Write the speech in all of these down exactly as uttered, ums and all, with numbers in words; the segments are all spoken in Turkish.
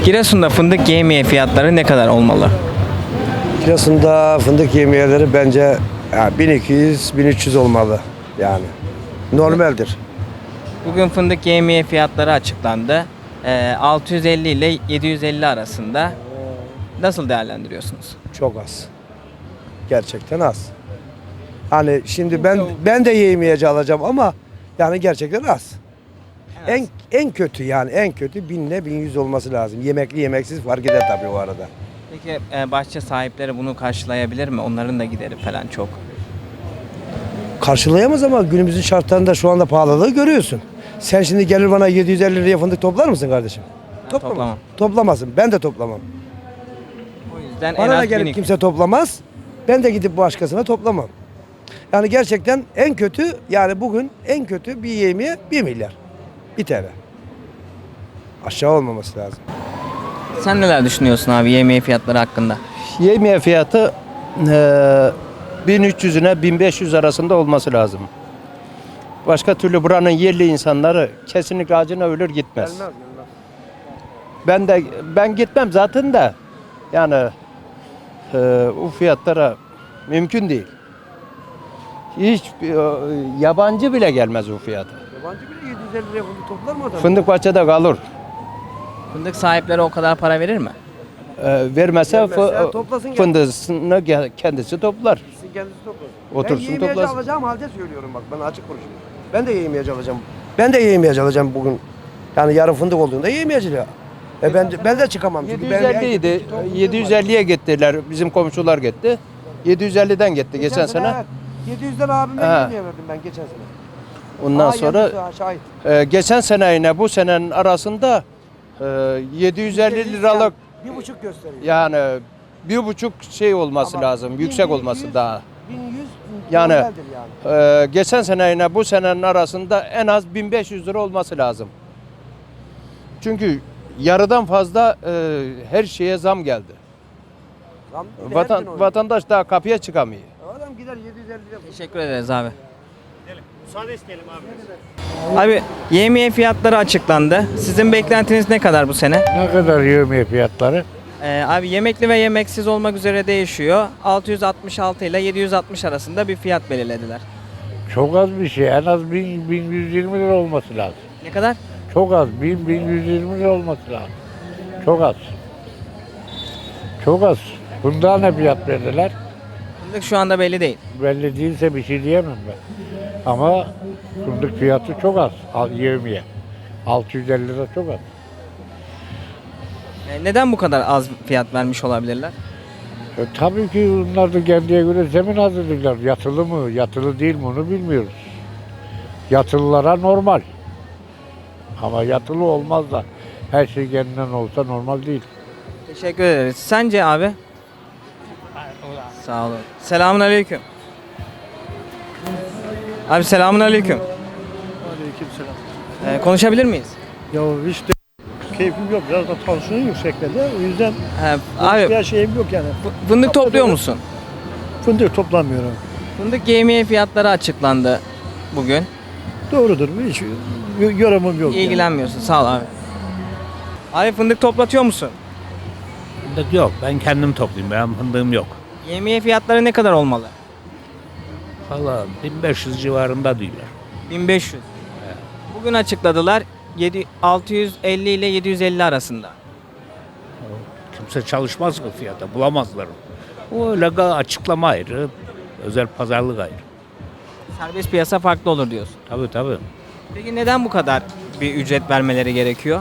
Giresun'da fındık yevmiye fiyatları ne kadar olmalı? Giresun'da fındık yemeyeleri bence ya bin iki yüz bin üç yüz olmalı yani. Normaldir. Bugün fındık yevmiye fiyatları açıklandı. Ee, altı yüz elli ile yedi yüz elli arasında. Nasıl değerlendiriyorsunuz? Çok az. Gerçekten az. Hani şimdi ben ben de yemeyece alacağım ama yani gerçekten az. En en kötü yani en kötü binle bin yüz olması lazım. Yemekli yemeksiz fark eder tabii o arada. Peki e, bahçe sahipleri bunu karşılayabilir mi? Onların da gideri falan çok. Karşılayamaz ama günümüzün şartlarında şu anda pahalılığı görüyorsun. Sen şimdi gelir bana yedi yüz elli liraya fındık toplar mısın kardeşim? Toplamaz. toplamam. Toplamazsın. Ben de toplamam. O yüzden en Bana da az gelip bin iki yüz. kimse toplamaz. Ben de gidip başkasına toplamam. Yani gerçekten en kötü yani bugün en kötü bir yemeğe bir milyar. Bir T L. Aşağı olmaması lazım. Sen neler düşünüyorsun abi yevmiye fiyatları hakkında? Yemeğe fiyatı eee bin üç yüzüne bin beş yüz arasında olması lazım. Başka türlü buranın yerli insanları kesinlikle acına ölür gitmez. Ben de ben gitmem zaten de yani eee bu fiyatlara mümkün değil. Hiç e, yabancı bile gelmez bu fiyata. Yabancı bile yedi yüz elli liraya fındık toplar mı adam? Fındık bahçede kalır. Fındık sahipleri o kadar para verir mi? Eee vermese, Vermezse fı- toplasın fındığını ge- kendisi toplar. Sizin kendisi toplasın. Otursun, ben yemeyece toplasın. alacağım halde söylüyorum bak ben açık konuşuyorum. Ben de yemeyece alacağım. Ben de yemeyece alacağım bugün. Yani yarın fındık olduğunda yemeyece ya. E ben, de- ben de çıkamam çünkü ben yedi yüz elli idi. yedi yüz elliye gittiler. Bizim komşular gitti. yedi yüz elliden gitti geçen sene. evet, yedi yüzden abime Ha. yemeye verdim ben geçen sene. Ondan Aa, sonra yalnız ha, şahit. e, geçen seneyle bu senenin arasında e, yedi yüz elli liralık bir buçuk gösteriyor. yani bir buçuk şey olması Ama lazım. bin, Yüksek bin olması yüz, daha. bin yüz Yani, normaldir yani. E, geçen seneyle bu senenin arasında en az bin beş yüz lira olması lazım. Çünkü yarıdan fazla e, her şeye zam geldi. Zam bir de her gün Vatan, oynuyor. vatandaş daha kapıya çıkamıyor. Adam gider yedi yüz elli lira. Teşekkür ederiz abi. Müsaade isteyelim abi. Abi yevmiye fiyatları açıklandı. Sizin beklentiniz ne kadar bu sene? Ne kadar yemeği fiyatları? Ee, abi yemekli ve yemeksiz olmak üzere değişiyor. altı yüz altmış altı ile yedi yüz altmış arasında bir fiyat belirlediler. Çok az bir şey. En az bin, bin yüz yirmi lira olması lazım. Ne kadar? Çok az. bin, bin yüz yirmi lira olması lazım. Çok az. Çok az. Bunda ne fiyat verdiler? Fındık şu anda belli değil. Belli değilse bir şey diyemem ben. Ama fındık fiyatı çok az. Al, yevmiye. altı yüz elli lira çok az. Ee, neden bu kadar az fiyat vermiş olabilirler? E, tabii ki bunlar da kendiye göre zemin hazırlıklar. Yatılı mı, yatılı değil mi onu bilmiyoruz. Yatılılara normal. Ama yatılı olmaz da her şey kendinden olsa normal değil. Teşekkür ederiz. Sence abi? Sağ olun. Selamun aleyküm. Abi selamun aleyküm. Aleykümselam. Ee, konuşabilir miyiz? Ya işte keyfim yok. Biraz da tansiyonum yüksekledi. O yüzden He, abi konuşmaya şeyim yok yani. fı- fındık topluyor musun? Fındık toplamıyorum. Fındık yevmiye fiyatları açıklandı bugün. Doğrudur. Hiç y- yorumum yok. yani. İlgilenmiyorsun. Sağ ol abi. Abi fındık toplatıyor musun? Fındık yok. Ben kendim toplayayım. Benim fındığım yok. Yevmiye fiyatları ne kadar olmalı? Valla bin beş yüz civarında diyorlar. bin beş yüz. Bugün açıkladılar. yedi altı yüz elli ile yedi yüz elli arasında. Kimse çalışmaz o fiyata. Bulamazlar. O öyle ga- açıklama ayrı. Özel pazarlık ayrı. Serbest piyasa farklı olur diyorsun. Tabii tabii. Peki neden bu kadar bir ücret vermeleri gerekiyor?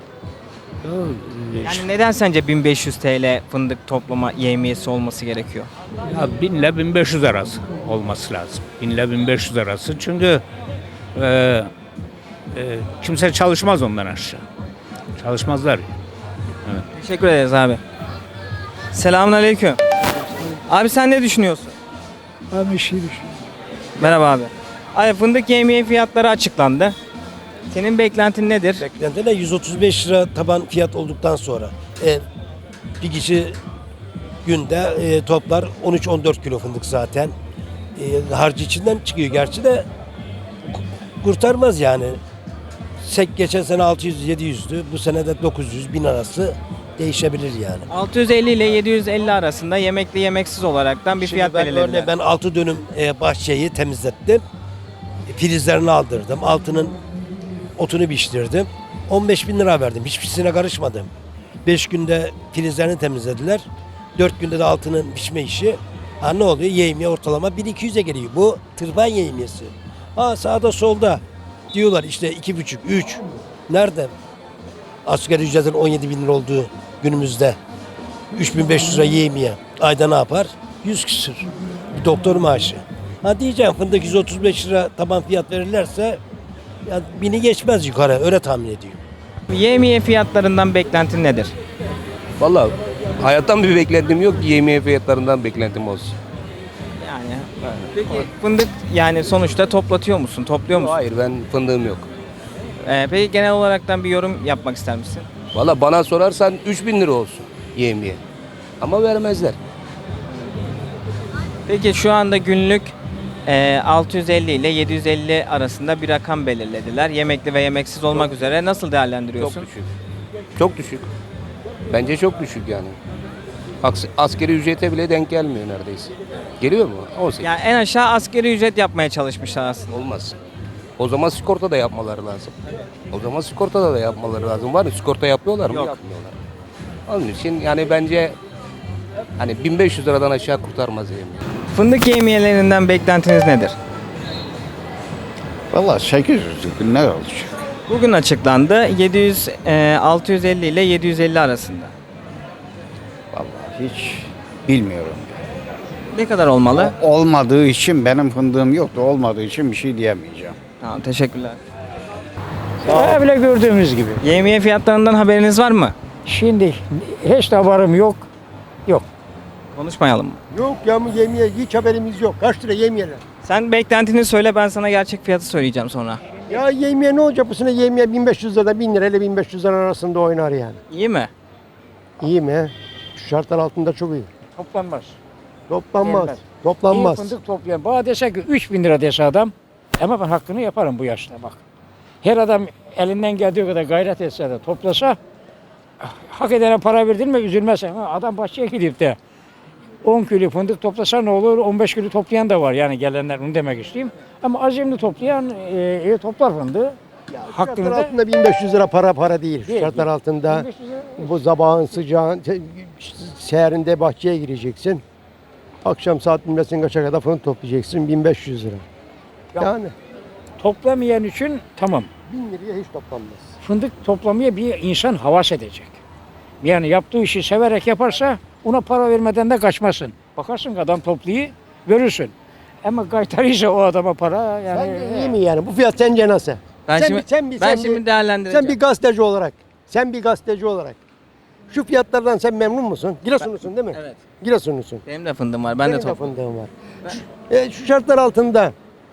Ya, Yani neden sence bin beş yüz T L fındık toplama yevmiyesi olması gerekiyor? ya bin ile bin beş yüz arası olması lazım. bin ile bin beş yüz arası. Çünkü e, e, kimse çalışmaz ondan aşağı. Çalışmazlar. Teşekkür ederiz abi. Selamun aleyküm. Abi sen ne düşünüyorsun? Ben bir şey düşünüyorum. Merhaba abi. Abi fındık yevmiye fiyatları açıklandı. Senin beklentin nedir? Beklenti de yüz otuz beş lira taban fiyat olduktan sonra e, bir kişi günde e, toplar on üç on dört kilo fındık zaten. E, harcı içinden çıkıyor gerçi de ku- kurtarmaz yani. sek geçen sene altı yüz yedi yüzdü. Bu sene de dokuz yüz bin arası değişebilir yani. altı yüz elli ile yedi yüz elli arasında yemekli yemeksiz olaraktan bir Şimdi fiyat ben belirlediler. örneğin ben altı dönüm e, bahçeyi temizlettim. Filizlerini aldırdım. Altının otunu biçtirdim. on beş bin lira verdim. Hiçbirisine karışmadım. beş günde filizlerini temizlediler. dört günde de altının biçme işi. Ha ne oluyor? Yevmiye ortalama bin iki yüze geliyor. Bu tırpan yevmiyesi. Ha sağda solda diyorlar işte iki buçuk, üç. Nerede? Asgari ücretin on yedi bin lira olduğu günümüzde üç bin beş yüz lira yevmiye. Ayda ne yapar? yüz küsür. Bir doktor maaşı. Ha diyeceğim fındık yüz otuz beş lira taban fiyat verirlerse ya bini geçmez yukarı. Öyle tahmin ediyorum. Yemiye fiyatlarından beklentin nedir? Vallahi hayattan bir beklentim yok ki yemeğe fiyatlarından beklentim olsun. Yani peki fındık yani sonuçta toplatıyor musun? Topluyor musun? Hayır ben fındığım yok. Ee, peki genel olaraktan bir yorum yapmak ister misin? Vallahi bana sorarsan üç bin lira olsun yemeğe. Ama vermezler. Peki şu anda günlük e, altı yüz elli ile yedi yüz elli arasında bir rakam belirlediler. Yemekli ve yemeksiz olmak üzere nasıl Çok değerlendiriyorsun? düşük. Çok düşük. Bence çok düşük yani. Aks- Askeri ücrete bile denk gelmiyor neredeyse. Geliyor mu? on sekiz. Yani en aşağı asgari ücret yapmaya çalışmışlar aslında. Olmaz. O zaman sigorta da yapmaları lazım. O zaman sigorta da yapmaları lazım. Var mı? Sigorta yapıyorlar mı? Yok. Yapmıyorlar. Onun için yani bence hani bin beş yüz liradan aşağı kurtarmaz yemeği. Fındık yemiyelerinden beklentiniz nedir? Vallahi sekiz yüz ne olacak? Bugün açıklandı. yedi yüz, e, altı yüz elli ile yedi yüz elli arasında. Vallahi hiç bilmiyorum. Ne kadar olmalı? Olmadığı için benim fındığım yoktu. Olmadığı için bir şey diyemeyeceğim. Tamam, teşekkürler. Öyle gördüğümüz gibi. Yemiye fiyatlarından haberiniz var mı? Şimdi hiç de haberim yok. Yok. Konuşmayalım mı? Yok ya mı yemeye hiç haberimiz yok. Kaç lira yemeyeler? Sen beklentini söyle, ben sana gerçek fiyatı söyleyeceğim sonra. Ya yemeye ne olacak bu sene yemeye bin beş yüz lira bin lira ile bin beş yüz lira arasında oynar yani. İyi mi? İyi mi? Şu şartlar altında çok iyi. Toplanmaz. Toplanmaz. Gelmez. Toplanmaz. İyi fındık toplayan. Bana dese ki üç bin lira dese adam. Ama ben hakkını yaparım bu yaşta bak. Her adam elinden geldiği kadar gayret etse de toplasa hak edene para verdin mi üzülmez. Ama adam bahçeye gidip de on kilo fındık toplasa ne olur? on beş kilo toplayan da var yani gelenler, onu demek isteyeyim. Ama azimli toplayan e, e, toplar fındığı. Hakkını Şartlar da altında bin beş yüz lira para para değil. Şu Değil, şartlar değil. altında bin beş yüz lira- bu sabahın sıcağın te- seherinde bahçeye gireceksin. Akşam saat bilmesin kaça kadar fındık toplayacaksın bin beş yüz lira. Ya- Yani toplamayan için tamam. bin liraya hiç toplanmaz. Fındık toplamaya bir insan havas edecek. Yani yaptığı işi severek yaparsa ona para vermeden de kaçmasın. Bakarsın ki adam topluyor, görürsün. Ama kaytarıysa o adama para yani. Sence iyi mi yani? Bu fiyat sence nasıl? Ben Sen şimdi bir- sen bir- ben sen şimdi bir- değerlendireceğim. Sen bir gazeteci olarak, sen bir gazeteci olarak şu fiyatlardan sen memnun musun? Giresunlusun değil mi? Evet. Giresunlusun. Benim de fındığım var. Ben Senin de topluyorum. fındığın var. Şu, e, şu şartlar altında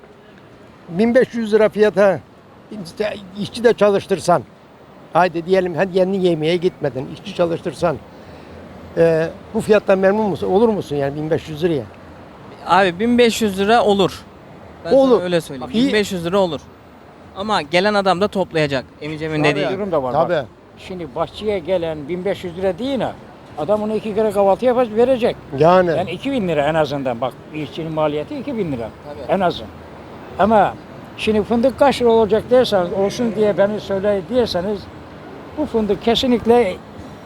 bin beş yüz lira fiyata işte işçi de çalıştırsan, haydi diyelim hadi yeni yemeğe gitmedin, işçi çalıştırsan e, bu fiyattan memnun musun? Olur musun yani bin beş yüz liraya? Abi bin beş yüz lira olur. Ben Olur. sana öyle söyleyeyim. Bak, iyi- bin beş yüz lira olur. Ama gelen adam da toplayacak. Emicemin Tabii. dediği gibi. Durum da var. bak. Tabii. Şimdi bahçeye gelen bin beş yüz lira değil ha. Adam onu iki kere kahvaltı yapar verecek. Yani Yani iki bin lira en azından bak bir işçinin maliyeti iki bin lira en azın. Ama şimdi fındık kaç lira olacak derseniz olsun diye beni söyle diyerseniz bu fındık kesinlikle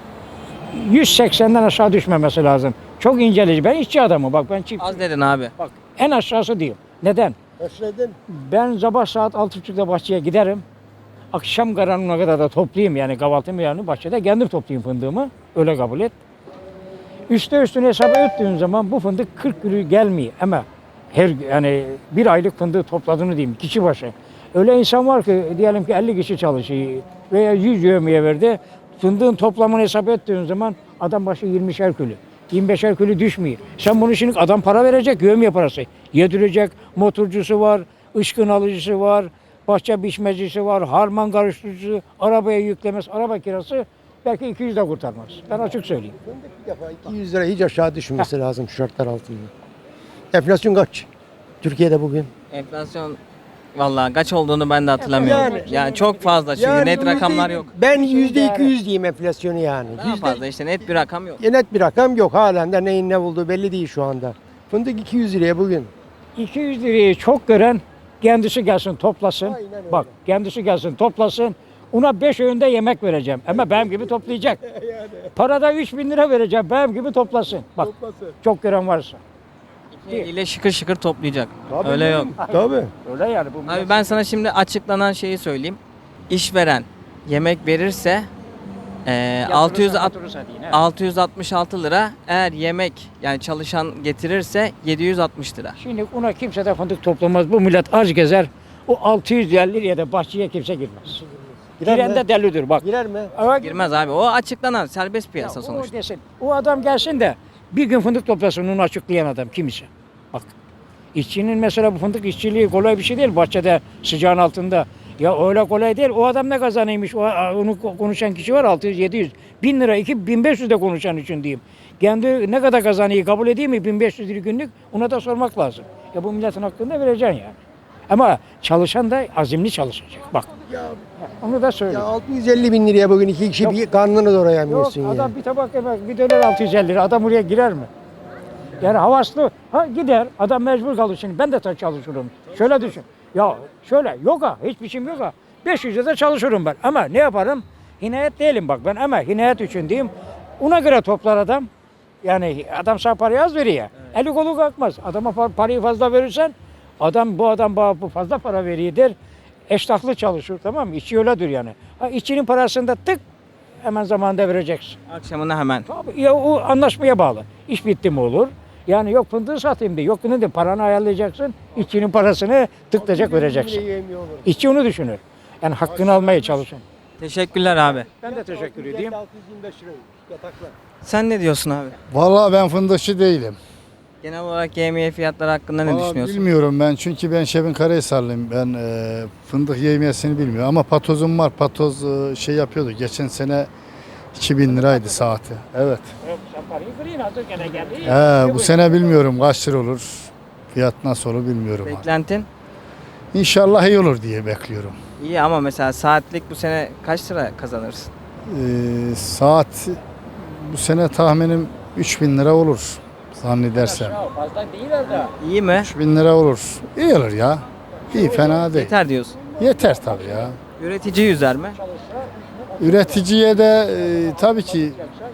yüz seksenden aşağı düşmemesi lazım. Çok inceleyici. Ben işçi adamım bak ben çift. Az dedin abi. Bak en aşağısı diyeyim. Neden? Özledin. Ben sabah saat altı buçukta bahçeye giderim. Akşam karanlığına kadar da toplayayım yani kahvaltımı yani bahçede kendim toplayayım fındığımı. Öyle kabul et. Üste üstüne hesabı öttüğün zaman bu fındık kırk kilo gelmiyor ama her yani bir aylık fındığı topladığını diyeyim kişi başı. Öyle insan var ki diyelim ki elli kişi çalışıyor veya yüz yövmeye verdi. Fındığın toplamını hesap ettiğin zaman adam başı yirmişer kilo. yirmi beşer kilo düşmüyor. Sen bunu şimdi adam para verecek, yövmeye parası. Yedirecek, motorcusu var, ışkın alıcısı var, bahçe biçmecisi var, harman karıştırıcısı, arabaya yüklemez, araba kirası belki iki yüz de kurtarmaz. Ben açık söyleyeyim. Fındık bir defa iki yüz lira hiç aşağı düşmesi lazım şu şartlar altında. Enflasyon kaç? Türkiye'de bugün. Enflasyon Vallahi kaç olduğunu ben de hatırlamıyorum. Yani, Yani- çok fazla çünkü net rakamlar yok. Ben yüzde iki yüz diyeyim enflasyonu yani. Daha Yüzde fazla işte net bir rakam yok. net bir rakam yok. Halen de neyin ne bulduğu belli değil şu anda. Fındık iki yüz liraya bugün. iki yüz lirayı çok gören kendisi gelsin toplasın. Bak kendisi gelsin toplasın. Ona beş öğünde yemek vereceğim. Ama benim gibi toplayacak. Parada üç bin lira vereceğim. Benim gibi toplasın. Bak çok gören varsa. İle şıkır şıkır toplayacak. Öyle yok. Tabii. Öyle yani. Bu Abi ben sana şimdi açıklanan şeyi söyleyeyim. İşveren yemek verirse eee, altı yüz alt- altı yüz altmış altı lira. Eğer yemek yani çalışan getirirse yedi yüz altmış lira. Şimdi ona kimse de fındık toplamaz. Bu millet aç gezer. O altı yüz elli liraya da bahçeye kimse girmez. Girer Giren mi? de delidir bak. Girer mi? Ama Girmez abi. O açıklanan serbest piyasa Ya sonuçta. O desin. O adam gelsin de bir gün fındık toplasın onu açıklayan adam kimse. Bak. İşçinin mesela bu fındık işçiliği kolay bir şey değil bahçede sıcağın altında. Ya öyle kolay değil. O adam ne kazanıymış? O, onu konuşan kişi var altı yüz yedi yüz. bin lira, iki bin beş yüz de konuşan için diyeyim. Kendi ne kadar kazanıyı kabul edeyim mi? bin beş yüz lira günlük ona da sormak lazım. Ya bu milletin hakkında vereceksin yani. Ama çalışan da azimli çalışacak. Bak. Onu da Ya söyle. altı yüz elli bin liraya bugün iki kişi Yok. bir karnını Yok doyuramıyorsun ya. adam bir tabak yemek, bir döner altı yüz elli lira. Adam oraya girer mi? Yani havaslı. Ha gider. Adam mecbur kalır şimdi. Ben de ta- çalışırım. Şöyle düşün. Ya şöyle yok ha. Hiçbir şeyim yok ha. beş yüz lira çalışırım ben. Ama ne yaparım? Hinayet değilim bak ben ama hinayet için diyeyim. Ona göre toplar adam. Yani adam sana parayı az veriyor. Eli kolu kalkmaz. Adama par- parayı fazla verirsen adam bu adam bana bu fazla para veriyor der. Eştahlı çalışır tamam mı? İşçi öyledir yani. Ha, işçinin parasını da tık hemen zamanında vereceksin. Akşamına hemen. Tabii ya o anlaşmaya bağlı. İş bitti mi olur? Yani yok fındığı satayım diye. Yok ne de paranı ayarlayacaksın. İşçinin parasını tıklayacak vereceksin. İşçi onu düşünür. Yani hakkını almaya çalışın. Teşekkürler abi. Ben de teşekkür edeyim. Sen ne diyorsun abi? Vallahi ben fındıkçı değilim. Genel olarak yevmiye fiyatları hakkında ne Vallahi düşünüyorsun? bilmiyorum ben çünkü ben Şebin Karahisarlıyım. Ben e, fındık yevmiyesini bilmiyorum ama patozum var. Patoz e, şey yapıyordu. Geçen sene iki bin liraydı saati. Evet. Sen parayı kırayım hazır gene geldi. He, bu sene bilmiyorum kaç lira olur. Fiyat nasıl olur bilmiyorum. Beklentin? İnşallah iyi olur diye bekliyorum. İyi ama mesela saatlik bu sene kaç lira kazanırsın? E, saat bu sene tahminim üç bin lira olur zannedersem. Fazla değil de. İyi mi? üç bin lira olur. İyi olur ya. İyi fena değil. Yeter diyorsun. Yeter tabii ya. Üretici yüzer mi? Üreticiye de e, tabii ki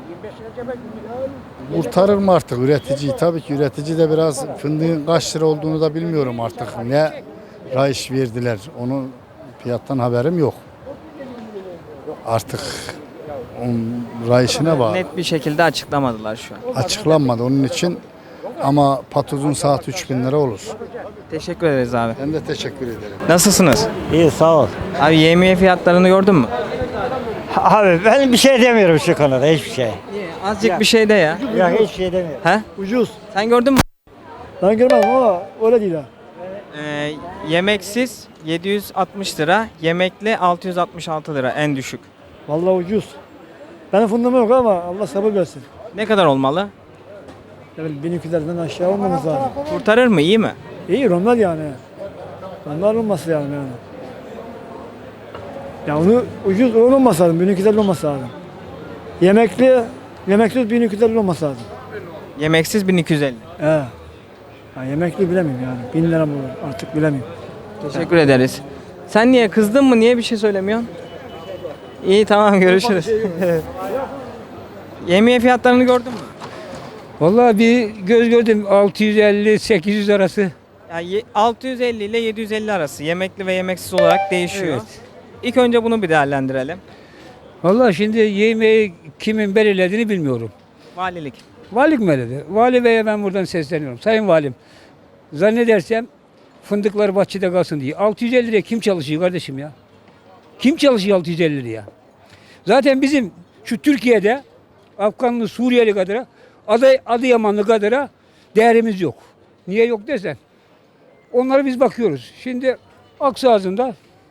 kurtarır mı artık üreticiyi? Tabii ki üretici de biraz fındığın kaç lira olduğunu da bilmiyorum artık. Ne rayış verdiler onun fiyattan haberim yok. Artık onun rayışına bağlı. Net bir şekilde açıklamadılar şu an. Açıklanmadı onun için ama patozun saat üç bin lira olur. Teşekkür ederiz abi. Ben de teşekkür ederim. Nasılsınız? İyi sağ ol. Abi yevmiye fiyatlarını gördün mü? Abi ben bir şey demiyorum şu konuda hiçbir şey. Azıcık bir şey de ya. Ya hiçbir şey demiyorum. He? Ucuz. Sen gördün mü? Ben görmedim ama öyle değil ha. Ee, yemeksiz yedi yüz altmış lira, yemekli altı yüz altmış altı lira en düşük. Vallahi ucuz. Benim fındığım yok ama Allah sabır versin. Ne kadar olmalı? Yani bin iki yüzlerden aşağı olmamız lazım. Kurtarır mı? İyi mi? İyi normal yani. Normal olması yani. yani. Ya onu ucuz olmaması lazım. bin iki yüz elli olması lazım. Yemekli, yemeksiz bin iki yüz elli olması lazım. Yemeksiz bin iki yüz elli. He. Ya yemekli bilemiyorum yani. Bin lira mı olur artık bilemiyorum. Teşekkür ederiz. Sen niye kızdın mı? Niye bir şey söylemiyorsun? İyi tamam görüşürüz. Yemiye fiyatlarını gördün mü? Vallahi bir göz gördüm altı yüz elli sekiz yüz arası. Yani ye- altı yüz elli ile yedi yüz elli arası yemekli ve yemeksiz olarak değişiyor. Evet. İlk önce bunu bir değerlendirelim. Vallahi şimdi yemeği kimin belirlediğini bilmiyorum. Valilik. Valilik mi belirledi? Vali Bey'e ben buradan sesleniyorum. Sayın Valim, zannedersem fındıklar bahçede kalsın diye. altı yüz elli liraya kim çalışıyor kardeşim ya? Kim çalışıyor altı yüz elli liraya? Zaten bizim şu Türkiye'de Afganlı, Suriyeli kadar, Adı, Adıyamanlı kadar değerimiz yok. Niye yok desen? Onlara biz bakıyoruz. Şimdi Aksağızı'nda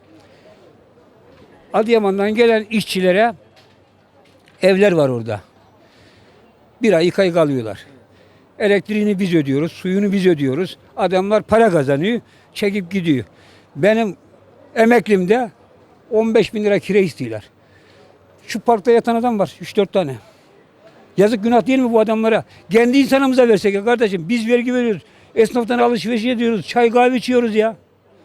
Adıyaman'dan gelen işçilere evler var orada. Bir ay, iki ay kalıyorlar. Elektriğini biz ödüyoruz, suyunu biz ödüyoruz. Adamlar para kazanıyor, çekip gidiyor. Benim emeklimde on beş bin lira kira istiyorlar. Şu parkta yatan adam var üç dört tane. Yazık günah değil mi bu adamlara? Kendi insanımıza versek ya kardeşim. Biz vergi veriyoruz. Esnaftan alışveriş ediyoruz. Çay kahve içiyoruz ya.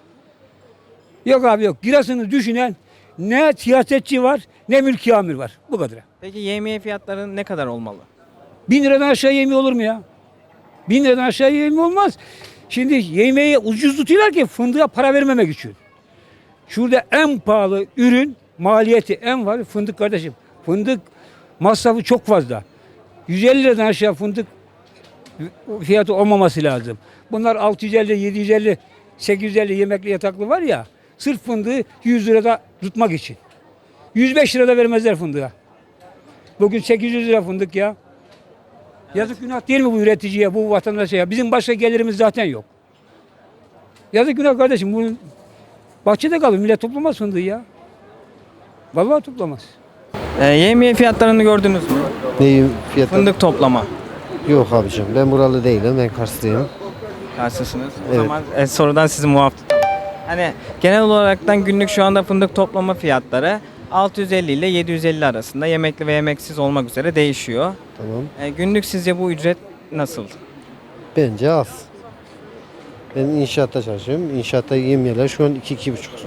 Yok abi yok. Girasını düşünen ne siyasetçi var ne mülki amir var. Bu kadar. Peki yevmiye fiyatları ne kadar olmalı? Bin liradan aşağı yemeği olur mu ya? Bin liradan aşağı yemeği olmaz. Şimdi yemeği ucuz tutuyorlar ki fındığa para vermemek için. Şurada en pahalı ürün maliyeti en var fındık kardeşim. Fındık masrafı çok fazla. yüz elli liradan aşağı fındık fiyatı olmaması lazım. Bunlar altı yüz elli, yedi yüz elli, sekiz yüz elli yemekli yataklı var ya. Sırf fındığı yüz lirada tutmak için. yüz beş lirada vermezler fındığa. Bugün sekiz yüz lira fındık ya. Yazık günah değil mi bu üreticiye, bu vatandaşa ya? Bizim başka gelirimiz zaten yok. Yazık günah kardeşim. Bu bahçede kalır. Millet toplamaz fındığı ya. Vallahi toplamaz. E, yevmiye fiyatlarını gördünüz mü? Neyim fiyatı? Fındık toplama. Yok abicim, ben buralı değilim, ben Karslıyım. Karşısınız. O Evet. zaman e, sorudan sizi muaf tutalım. Hani genel olaraktan günlük şu anda fındık toplama fiyatları altı yüz elli ile yedi yüz elli arasında yemekli ve yemeksiz olmak üzere değişiyor. Tamam. E, günlük sizce bu ücret nasıl? Bence az. Ben inşaatta çalışıyorum. İnşaatta yemyeler şu an iki iki buçuk lira.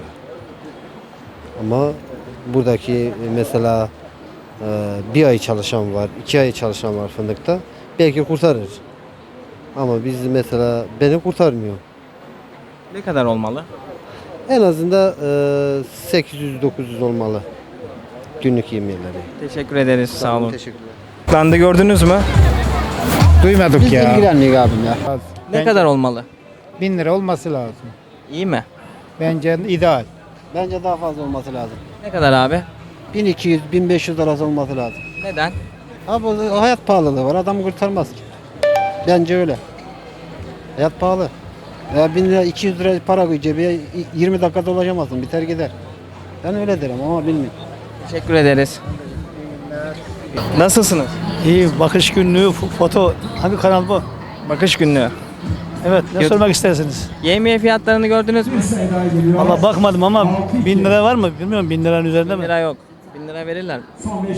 Ama buradaki mesela e, bir ay çalışan var, iki ay çalışan var fındıkta. Belki kurtarır. Ama biz mesela beni kurtarmıyor. Ne kadar olmalı? En azından e, sekiz yüz dokuz yüz olmalı günlük yemyeleri. Teşekkür ederiz. Sağ olun. Teşekkürler. Landı gördünüz mü? Duymadık Biz ilgilenmiyoruz abim ya. Ne kadar olmalı? Bin lira olması lazım. İyi mi? Bence ideal. Bence daha fazla olması lazım. Ne kadar abi? bin iki yüz bin beş yüz arası olması lazım. Neden? Abi o hayat pahalılığı var. Adamı kurtarmaz ki. Bence öyle. Hayat pahalı. Ya bin lira iki yüz lira para koy cebine yirmi dakikada ulaşamazsın. Biter gider. Ben öyle derim ama bilmiyorum. Teşekkür ederiz. Nasılsınız? İyi bakış günlüğü fo- foto hangi kanal bu? Bakış günlüğü. Evet ne Gö- sormak istersiniz? Yevmiye fiyatlarını gördünüz mü? Valla bakmadım ama bin lira var mı bilmiyorum bin liranın üzerinde bin mi? lira yok. bin lira verirler mi?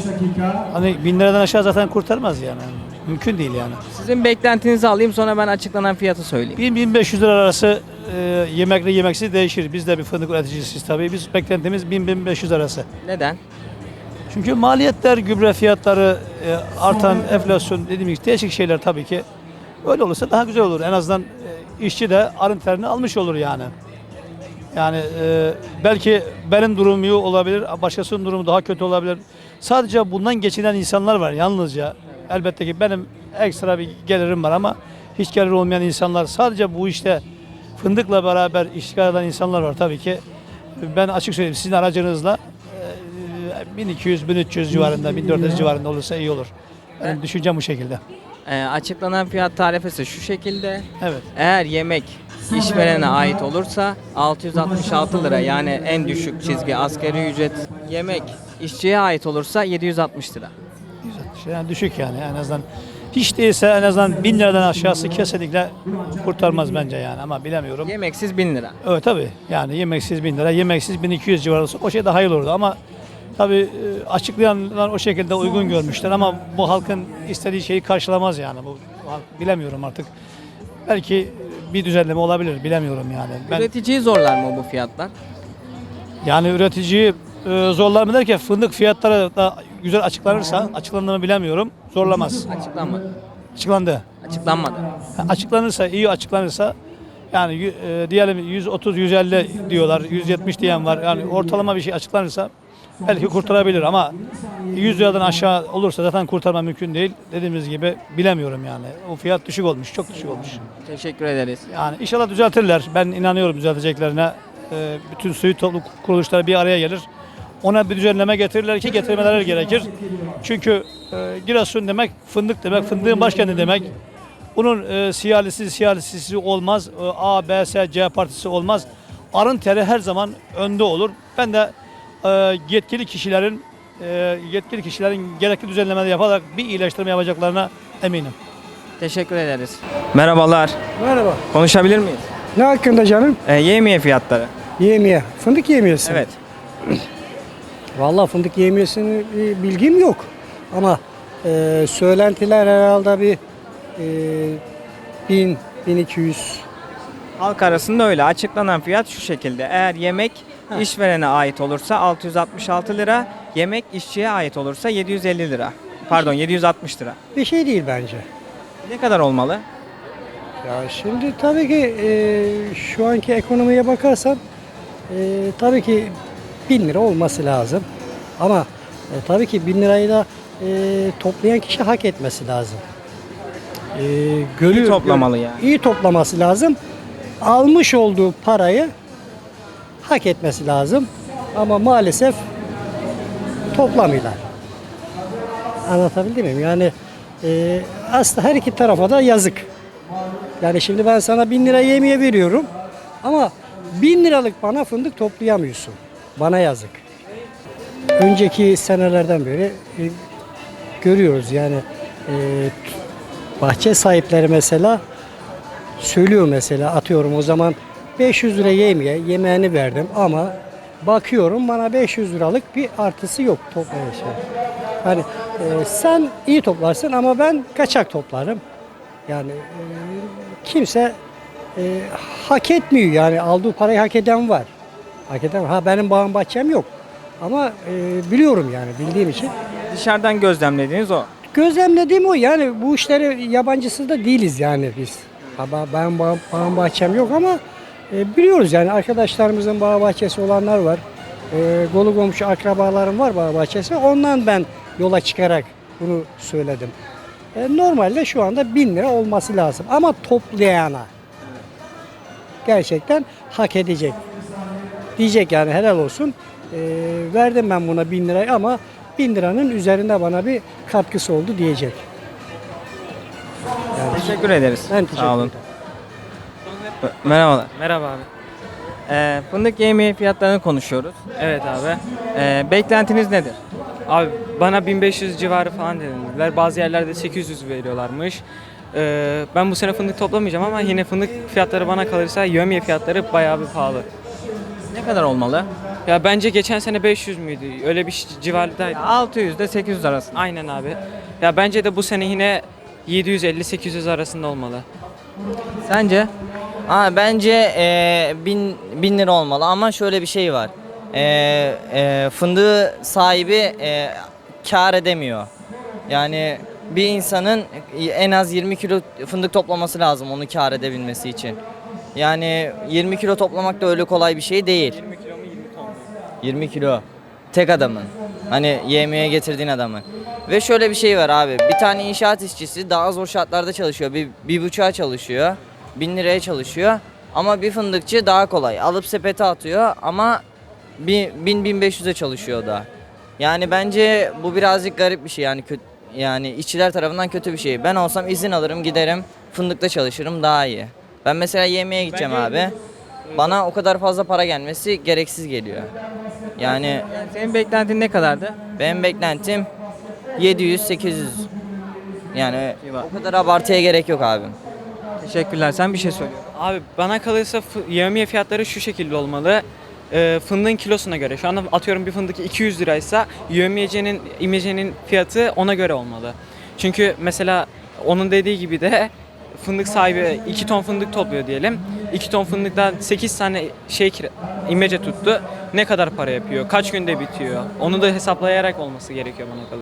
Hani bin liradan aşağı zaten kurtarmaz yani. Mümkün değil yani. Sizin beklentinizi alayım sonra ben açıklanan fiyatı söyleyeyim. bin bin beş yüz lira arası e, yemekli yemeksiz değişir. Biz de bir fındık üreticisiyiz tabii. Biz beklentimiz bin bin beş yüz arası. Neden? Çünkü maliyetler, gübre fiyatları, e, artan enflasyon dediğimiz gibi değişik şeyler tabii ki. Öyle olursa daha güzel olur. En azından e, işçi de arın terini almış olur yani. Yani e, belki benim durumum iyi olabilir, başkasının durumu daha kötü olabilir. Sadece bundan geçinen insanlar var yalnızca. Elbette ki benim ekstra bir gelirim var ama hiç gelir olmayan insanlar sadece bu işte fındıkla beraber işgal eden insanlar var tabii ki. Ben açık söyleyeyim sizin aracınızla e, bin iki yüz bin üç yüz civarında, bin dört yüz civarında olursa iyi olur. Benim düşüncem bu şekilde. Ee, açıklanan fiyat tarifesi şu şekilde. Evet. Eğer yemek işverene ait olursa altı yüz altmış altı lira yani en düşük çizgi asgari ücret. Yemek işçiye ait olursa yedi yüz altmış lira. Şey, yani düşük yani en azından. Hiç değilse en azından bin liradan aşağısı kesinlikle kurtarmaz bence yani ama bilemiyorum. Yemeksiz bin lira. Evet tabii yani yemeksiz bin lira, yemeksiz bin iki yüz civarı olsa o şey daha iyi olurdu ama tabii e, açıklayanlar o şekilde uygun görmüşler ama bu halkın istediği şeyi karşılamaz yani. Bu, bu halk, bilemiyorum artık. Belki bir düzenleme olabilir bilemiyorum yani. Ben, Üreticiyi zorlar mı bu fiyatlar? yani üreticiyi e, zorlar mı derken fındık fiyatları da güzel açıklanırsa, açıklandığını bilemiyorum, zorlamaz. Açıklanmadı. Açıklandı. Açıklanmadı. Açıklanırsa, iyi açıklanırsa yani e, diyelim yüz otuz yüz elli diyorlar, yüz yetmiş diyen var. Yani ortalama bir şey açıklanırsa belki kurtarabilir ama yüz liradan aşağı olursa zaten kurtarma mümkün değil. Dediğimiz gibi bilemiyorum yani. O fiyat düşük olmuş, çok düşük olmuş. Teşekkür ederiz. Yani inşallah düzeltirler. Ben inanıyorum düzelteceklerine. E, bütün suyu topluluk kuruluşları bir araya gelir. Ona bir düzenleme getirirler ki getirmeleri gerekir. Çünkü e, Giresun demek fındık demek, fındığın başkenti demek. Bunun e, siyalisi siyalisisi olmaz, e, A, B, S, C partisi olmaz. Arın teri her zaman önde olur. Ben de e, yetkili kişilerin e, yetkili kişilerin gerekli düzenlemeleri yaparak bir iyileştirme yapacaklarına eminim. Teşekkür ederiz. Merhabalar. Merhaba. Konuşabilir miyiz? Ne hakkında canım? E, yevmiye fiyatları. Yemiye. Fındık yemiyesi. Evet. Vallahi fındık yemiyesini bir bilgim yok. Ama e, söylentiler herhalde bir e, bin, bin iki yüz. Halk arasında öyle. Açıklanan fiyat şu şekilde. Eğer yemek işverene ait olursa altı yüz altmış altı lira, yemek işçiye ait olursa yedi yüz elli lira. Pardon yedi yüz altmış lira. Bir şey değil bence. Ne kadar olmalı? Ya şimdi tabii ki e, şu anki ekonomiye bakarsan e, tabii ki bin lira olması lazım. Ama e, tabii ki bin lirayı da e, toplayan kişi hak etmesi lazım. E, görüyor, İyi toplamalı gör- yani. İyi toplaması lazım. Almış olduğu parayı hak etmesi lazım. Ama maalesef toplamıyorlar. Anlatabildim mi? Yani e, aslında her iki tarafa da yazık. Yani şimdi ben sana bin lira yemeğe veriyorum ama bin liralık bana fındık toplayamıyorsun. Bana yazık. Önceki senelerden beri e, görüyoruz yani e, bahçe sahipleri mesela söylüyor mesela atıyorum o zaman beş yüz lira yemeğe yemeğini verdim ama bakıyorum bana beş yüz liralık bir artısı yok toplayışa. Hani e, sen iyi toplarsın ama ben kaçak toplarım. Yani e, kimse e, hak etmiyor yani aldığı parayı hak eden var. Hak eden ha benim bağım bahçem yok. Ama e, biliyorum yani bildiğim için. Dışarıdan gözlemlediğiniz o. Gözlemlediğim o yani bu işleri yabancısı da değiliz yani biz. Ha, ba- ben bağım, bağım bahçem yok ama e, biliyoruz yani arkadaşlarımızın bağ bahçesi olanlar var. E, kolu komşu akrabalarım var bağ bahçesi. Ondan ben yola çıkarak bunu söyledim. E, normalde şu anda bin lira olması lazım ama toplayana gerçekten hak edecek. Diyecek yani helal olsun. E, verdim ben buna bin lirayı ama bin liranın üzerinde bana bir katkısı oldu diyecek. Yani Teşekkür ederiz. ben teşekkür Sağ olun. ederim. Merhabalar. Merhaba abi. Ee, fındık yemeği fiyatlarını konuşuyoruz. Evet abi. Ee, beklentiniz nedir? Abi bana bin beş yüz civarı falan dediler. Bazı yerlerde sekiz yüz veriyorlarmış. Ee, ben bu sene fındık toplamayacağım ama yine fındık fiyatları bana kalırsa yömye fiyatları bayağı bir pahalı. Ne kadar olmalı? Ya bence geçen sene beş yüz müydü? Öyle bir civarındaydı. altı yüz ile sekiz yüz arasında. Aynen abi. Ya bence de bu sene yine yedi yüz elli sekiz yüz arasında olmalı. Sence? Ha, bence e, bin, bin lira olmalı ama şöyle bir şey var. E, e, fındığı sahibi e, kar edemiyor. Yani bir insanın en az yirmi kilo fındık toplaması lazım onu kar edebilmesi için. Yani yirmi kilo toplamak da öyle kolay bir şey değil. yirmi kilo mu yirmi ton mu? yirmi kilo. Tek adamın. Hani yemeğe getirdiğin adamın. Ve şöyle bir şey var abi. Bir tane inşaat işçisi daha zor şartlarda çalışıyor. Bir, bir buçuğa çalışıyor. Bin liraya çalışıyor. Ama bir fındıkçı daha kolay. Alıp sepete atıyor ama bin bin beş yüze çalışıyor o da. Yani bence bu birazcık garip bir şey. Yani kötü, yani işçiler tarafından kötü bir şey. Ben olsam izin alırım giderim fındıkta çalışırım daha iyi. Ben mesela yemeğe gideceğim abi. Bana o kadar fazla para gelmesi gereksiz geliyor. Yani, Yani senin beklentin ne kadardı? benim beklentim yedi yüz sekiz yüz. Yani o kadar abartıya gerek yok abim. Teşekkürler. Sen bir şey söyle. Abi bana kalırsa fı- yevmiye fiyatları şu şekilde olmalı. Ee, fındığın kilosuna göre. Şu anda atıyorum bir fındık iki yüz liraysa yevmiyecenin, imecenin fiyatı ona göre olmalı. Çünkü mesela onun dediği gibi de fındık sahibi iki ton fındık topluyor diyelim. iki ton fındıktan sekiz tane şey kira- imece tuttu. Ne kadar para yapıyor? Kaç günde bitiyor? Onu da hesaplayarak olması gerekiyor bana kalırsa.